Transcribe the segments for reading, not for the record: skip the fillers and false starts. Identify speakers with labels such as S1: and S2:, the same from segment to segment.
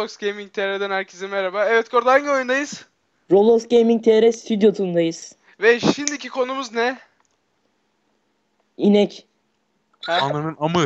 S1: Roblox Gaming TR'den herkese merhaba. Evet Korda, hangi oyundayız?
S2: Roblox Gaming TR stüdyosundayız.
S1: Ve şimdiki konumuz ne?
S2: İnek.
S1: Ha?
S3: Ananın amı.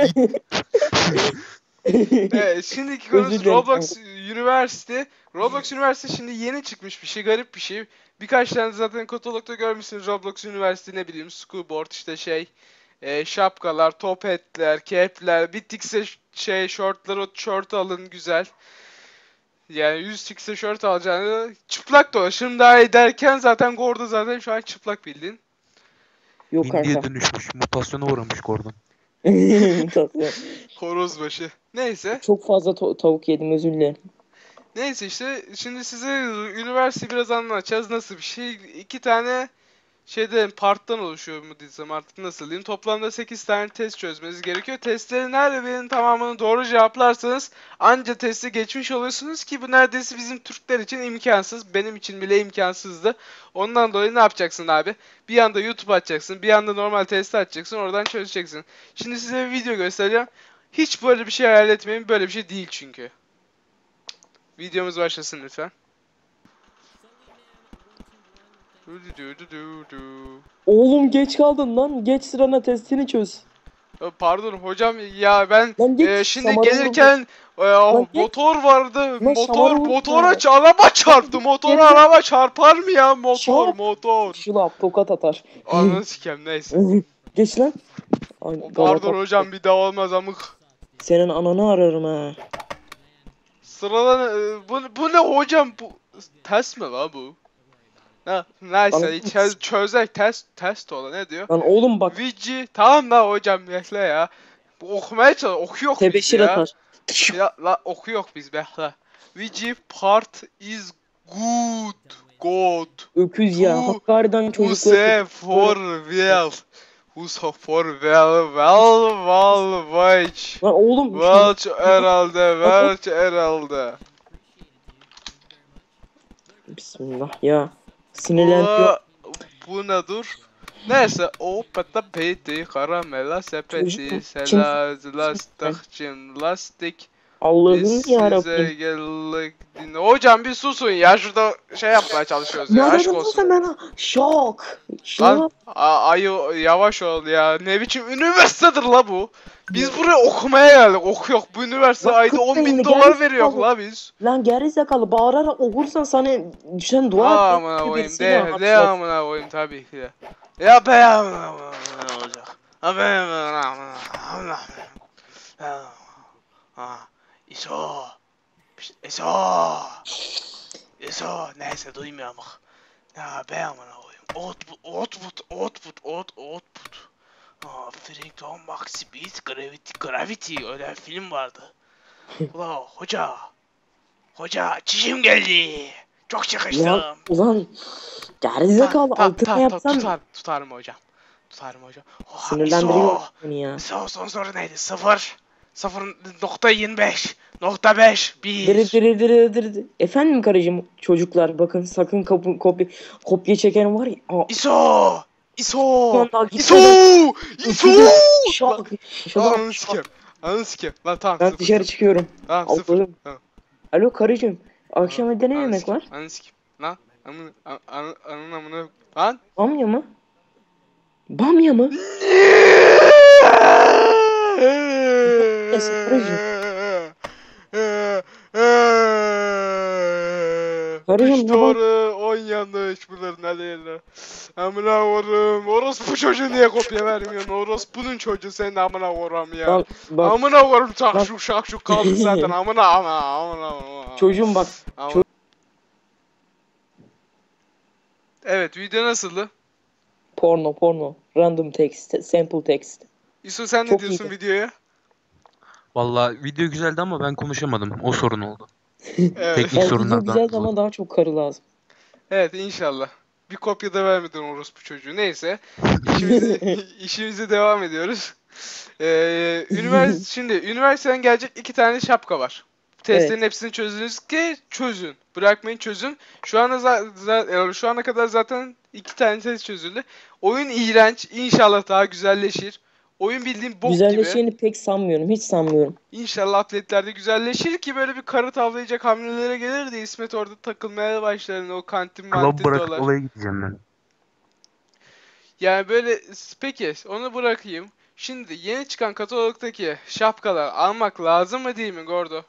S1: Evet, şimdiki
S2: Özür
S1: konumuz
S2: dilerim.
S1: Roblox University. Roblox University şimdi yeni çıkmış bir şey, garip bir şey. Birkaç tane zaten katalogda görmüşsünüz. Roblox University, ne bileyim, schoolboard, işte şapkalar, top hatler, cap'ler, bittikse şortları, şort alın güzel. Yani 100x'e şort alacağını çıplak dolaşırım daha iyi derken zaten Gordo zaten şu an çıplak bildiğin.
S2: Yok
S3: Hindiye
S2: kanka.
S3: dönüşmüş. Mutasyona uğramış Gordon.
S2: Tatlı.
S1: Horozbaşı. Neyse.
S2: Çok fazla tavuk yedim, özür dilerim.
S1: Neyse işte şimdi size üniversite biraz anlatacağız. Nasıl bir şey? İki tane parttan oluşuyor mu diyeceğim, artık nasıl diyeyim. Toplamda 8 tane test çözmeniz gerekiyor. Testlerin her birinin tamamını doğru cevaplarsanız anca testi geçmiş oluyorsunuz ki bu neredeyse bizim Türkler için imkansız. Benim için bile imkansızdı. Ondan dolayı ne yapacaksın abi? Bir yanda YouTube açacaksın, bir yanda normal testi açacaksın, oradan çözeceksin. Şimdi size bir video göstereceğim. Hiç böyle bir şey hayal etmeyin, böyle bir şey değil çünkü. Videomuz başlasın lütfen.
S2: Oğlum geç kaldın lan. Geç sırana, testini çöz.
S1: Pardon hocam ya, ben
S2: Lan geç,
S1: şimdi
S2: şamarı
S1: gelirken
S2: Lan geç.
S1: motor vardı.
S2: Lan şamarı vurma.
S1: Araba çarptı. Motora
S2: Geri-
S1: araba çarpar mı ya?
S2: Şap.
S1: Motor.
S2: Şılap tokat atar.
S1: Ananı sikem, neyse.
S2: Geç lan. Ay,
S1: Pardon
S2: Galata-
S1: hocam, bir daha olmaz amık.
S2: Senin ananı ararım ha.
S1: Sıradan bu ne hocam, bu test mi la bu? Ha, neyse
S2: Bana-
S1: çözek test olan ne diyor?
S2: Lan oğlum bak.
S1: Vici tamam la hocam, bekle ya. Bu okumaya çalış, okuyor biz
S2: Tebeşir
S1: ya.
S2: atar.
S1: Ya la okuyor biz, bekle. Vici part is good.
S2: Öküz ya.
S1: Bu-
S2: Hakkari'den çocuklar.
S1: Use for well. Use for well watch.
S2: Lan oğlum.
S1: Welch herhalde.
S2: Bismillah ya. Sinirlendiriyor.
S1: Bu nedir? Neyse, o pata peti, karamela sepeti,
S2: Çocuk-
S1: lastik.
S2: Allah'ım
S1: Biz
S2: yarabbim.
S1: size geldik. Hocam bir susun ya, şurada yapmaya çalışıyoruz ya, aşk olsun.
S2: Ben şok.
S1: Lan
S2: Şok.
S1: ayı yavaş ol ya, ne biçim üniversitedir la bu. Biz buraya okumaya geldik, okuyor. Bu üniversite
S2: Lan
S1: ayda
S2: kız
S1: 10.000
S2: beyni,
S1: dolar
S2: gel
S1: veriyor
S2: oğlum.
S1: la biz.
S2: Lan gerizekalı, bağırarak okursan sana düşen dua et.
S1: Amına koyayım,
S2: Birisini
S1: de
S2: hapşat.
S1: amına koyayım tabii ki de. Ya be amına olacak. Ha be amına. İso. İso. Neyse duymuyorum bak. Ya be amına koyayım. Output. Frickton Max Speed Gravity öyle film vardı. Ula hoca çişim geldi. Çok çıkıştım.
S2: Ulan gerizekalı, altına yapsam
S1: Tutarım hocam. Oha,
S2: sinirlendiriyor beni ya.
S1: son soru neydi? 0.25 .5 1
S2: Efendim karıcığım, çocuklar bakın sakın kopya çeken var ya.
S1: ISO
S2: Lan daha
S1: ISO
S2: Şok.
S1: Ananı sikem. Lan tamam,
S2: Ben
S1: sıfır.
S2: dışarı çıkıyorum.
S1: Tamam, sıfır.
S2: Allah'ım.
S1: Tamam.
S2: Alo karıcığım. Akşam evde ne
S1: Ananı
S2: yemek
S1: sikem,
S2: var?
S1: Ananı sikem. Lan anın amına. Lan.
S2: Bamya mı? Bamya mı? Karıcığım,
S1: Üç doğru 10 yanlış, bunların aleyhine. Amına koyayım. Orospu çocuğu niye kopya vermiyorsun? Orospunun çocuğu, senin amına koyayım ya.
S2: Bak bak
S1: Amına koyayım, şakşuk kaldı zaten. Amına.
S2: çocuğum bak.
S1: Ama- Evet, video nasıldı?
S2: Porno. Random text. Sample text.
S1: İso, sen ne
S2: Çok
S1: diyorsun
S2: iyiydi.
S1: videoya?
S3: Vallahi video güzeldi ama ben konuşamadım. O sorun oldu.
S1: Evet.
S3: Teknik
S2: Yani video
S3: sorunlardan
S2: güzeldi
S3: dolayı.
S2: ama daha çok karı lazım.
S1: Evet, inşallah. Bir kopya da vermedin orospu çocuğu. Neyse. İşimize devam ediyoruz. Şimdi üniversiteden gelecek 2 tane şapka var. Testlerin hepsini çözünüz ki çözün. Bırakmayın, çözün. Şu ana kadar zaten 2 tane test çözüldü. Oyun iğrenç. İnşallah daha güzelleşir. Oyun bildiğin bok gibi.
S2: Güzelleşeceğini pek sanmıyorum. Hiç sanmıyorum.
S1: İnşallah update'lerde güzelleşir ki böyle bir karı tavlayacak hamlelere gelir de İsmet orada takılmaya başlar. O kantin
S3: Club
S1: mantin
S3: bırakıp
S1: dolar.
S3: olaya gideceğim ben.
S1: Yani böyle peki onu bırakayım. Şimdi yeni çıkan katalogdaki şapkalar almak lazım mı değil mi Gordo?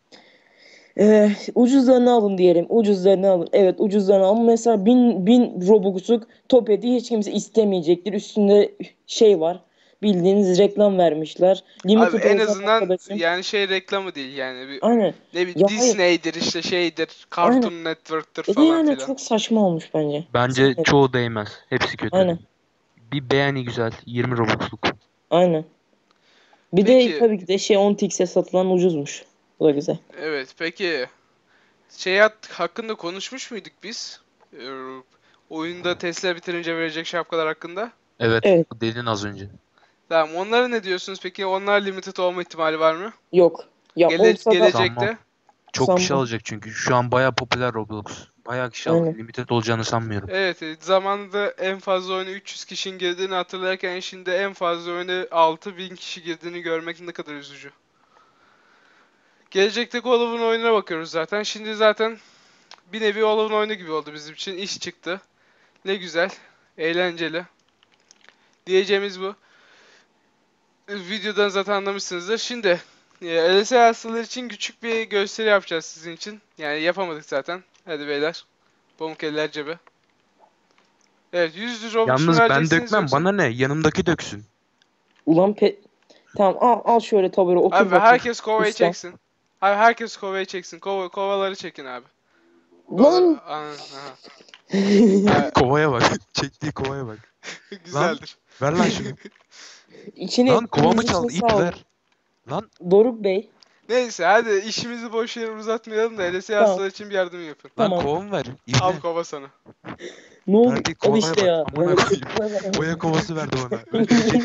S2: Ucuzlarını alın diyelim. Ucuzlarını alın. Evet, ucuzlarını alın. Mesela 1000 Robux'luk Topet'i hiç kimse istemeyecektir. Üstünde şey var. Bildiğiniz reklam vermişler.
S1: Abi
S2: Limited
S1: en
S2: olacak
S1: azından
S2: arkadaşım.
S1: yani şey reklamı değil yani bir
S2: Aynen.
S1: ne bileyim
S2: Ya hayır.
S1: Disney'dir işte şeydir,
S2: Aynen.
S1: Cartoon Network'tır
S2: Ya da
S1: falan
S2: yani
S1: filan.
S2: çok saçma olmuş bence.
S3: Bence
S2: Sevmedim.
S3: çoğu değmez. Hepsi kötü.
S2: Aynen.
S3: Bir beğeni güzel. 20 Robux'luk.
S2: Aynen. Bir de
S1: Peki
S2: tabii ki de şey 10 satılan ucuzmuş. Bu da güzel.
S1: evet peki şey hakkında konuşmuş muyduk biz? Oyunda Tesla bitirince verecek şapkalar hakkında.
S3: Evet.
S2: Evet.
S3: Dedin az önce.
S1: Tamam onlara ne diyorsunuz peki? Onlar limited olma ihtimali var mı?
S2: Yok. Ya olsa da
S3: Sanmam.
S1: Gelecekte.
S3: Çok kişi
S2: sanmam.
S3: alacak çünkü. Şu an bayağı popüler Roblox. Bayağı kişi aldı.
S2: Aynen.
S3: Limited olacağını sanmıyorum.
S1: Evet, zamanında en fazla oyuna 300 kişinin girdiğini hatırlarken şimdi en fazla oyuna 6000 kişi girdiğini görmek ne kadar üzücü. Gelecekteki Olaf'ın oyununa bakıyoruz zaten. Şimdi zaten bir nevi Olaf'ın oyunu gibi oldu bizim için. İş çıktı. Ne güzel. Eğlenceli. Diyeceğimiz bu. Videodan zaten anlamışsınızdır. Şimdi LSE hastaları için küçük bir gösteri yapacağız sizin için. Yani yapamadık zaten. Hadi beyler. Pamuk eller cebe. Evet 100 Robux'unu
S3: Yalnız ben
S1: vereceksiniz
S3: dökmem.
S1: yoksa...
S3: Bana ne? Yanımdaki döksün.
S2: Ulan tamam, al şöyle tabure otur
S1: Abi
S2: bakayım.
S1: herkes kovayı
S2: Usta.
S1: çeksin. Abi herkes kovayı çeksin. Kovaları çekin abi.
S2: Lan!
S1: Aha.
S3: Kovaya bak. Çektiği kovaya bak.
S1: Güzeldir.
S3: Ver lan şunu.
S2: İçine
S3: Lan kovamı
S2: içine
S3: çaldı. İp
S2: sağ ol.
S3: ver. Lan
S2: Doruk Bey.
S1: Neyse hadi işimizi boş yere uzatmayalım da LSE
S2: Tamam.
S1: hastaları için bir yardım yapın.
S3: lan
S2: Tamam.
S3: kovamı ver. İp
S1: Al
S3: ver.
S1: kova sana.
S2: Ne oldu?
S3: Verdiği
S2: Al
S3: kovaya
S2: işte
S3: bak.
S2: ya.
S3: Amına koyayım. Boya kovası verdi bana. Öldürecek.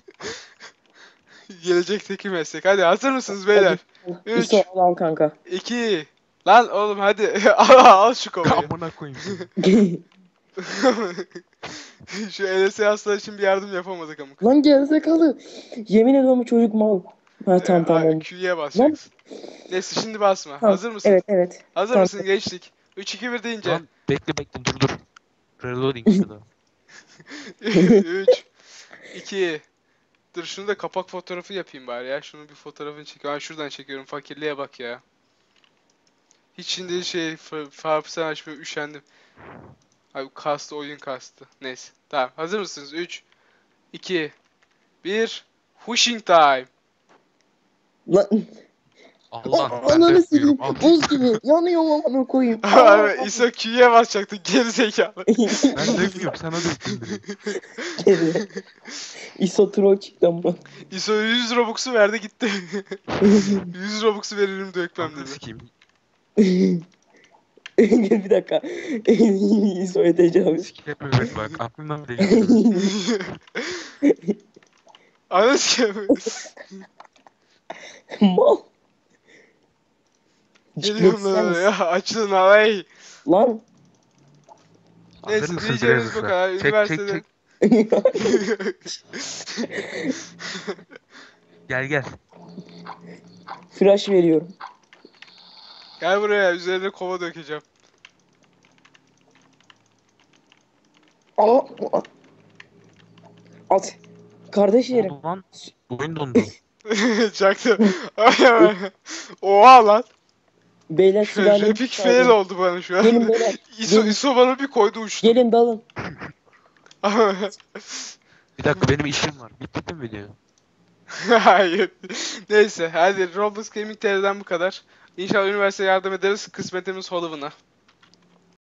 S1: Gelecekteki meslek. Hadi hazır mısınız beyler? Üç.
S2: İso al kanka.
S1: 2. Lan oğlum hadi al şu kovayı.
S3: Amına koyayım seni.
S1: Şu LSE hastaları için bir yardım yapamadık ama.
S2: Lan gerizekalı. Yemin ediyorum bu çocuk mal. Ha tamam tamam.
S1: Q'ye basacaksın. Neyse şimdi basma.
S2: Tamam.
S1: Hazır mısın?
S2: Evet evet.
S1: Hazır
S2: Tamam.
S1: mısın? Geçtik. 3 2 1 deyince.
S3: Lan bekle dur. Reloading şurada.
S1: 3 2 Dur şunu da kapak fotoğrafı yapayım bari ya. Şunun bir fotoğrafını çekiyorum. Ben şuradan çekiyorum. Fakirliğe bak ya. Hiç şimdi Farpsen açmaya üşendim. Abi kastı oyun kastı. Neyse. Tamam. Hazır mısınız? 3 2 1 Wishing time.
S2: Lan
S3: Allah ben
S2: ananı
S3: de
S2: sileyim.
S3: yapıyorum. Al.
S2: Buz gibi. Yanıyorum amına koyayım.
S1: Abi İso Q'ye basacaktı gerizekalı.
S3: Ben dökmüyorum sana döktüm direkt.
S2: Geri. İso troll çıktı ama.
S1: İso 100 Robux'u verdi gitti. 100 Robux'u veririm dökmem
S3: Ananı
S1: dedi.
S3: sikeyim.
S2: Bir dakika. İso'ya tecavüz.
S3: Sikeyim evet bak aklımdan bile geçiyor.
S1: Anasını
S2: Mal.
S1: geliyorum lan oraya. Açılın havayı.
S2: Lan.
S3: Hazır
S1: Neyse
S3: mısın
S1: diyeceğimiz
S3: Brazos'a?
S1: bu kadar.
S3: Çek,
S1: Üniversitede.
S3: Gel.
S2: Flash veriyorum.
S1: Gel buraya üzerine kova dökeceğim.
S2: Aa, at. Kardeşlerim.
S3: Oldu lan. Oyun dondu.
S1: Çaktım. Oha lan.
S2: Beyler silahını
S1: Epic fail oldu bana şu
S2: Gelin
S1: an.
S2: beyler.
S1: İso bana bir koydu uçtu.
S2: Gelin dalın.
S3: Bir dakika benim işim var. Bitti mi video?
S1: Hayır. Neyse hadi Roblox Gaming TV'den bu kadar. İnşallah üniversiteye yardım ederiz. Kısmetimiz Hollow'una.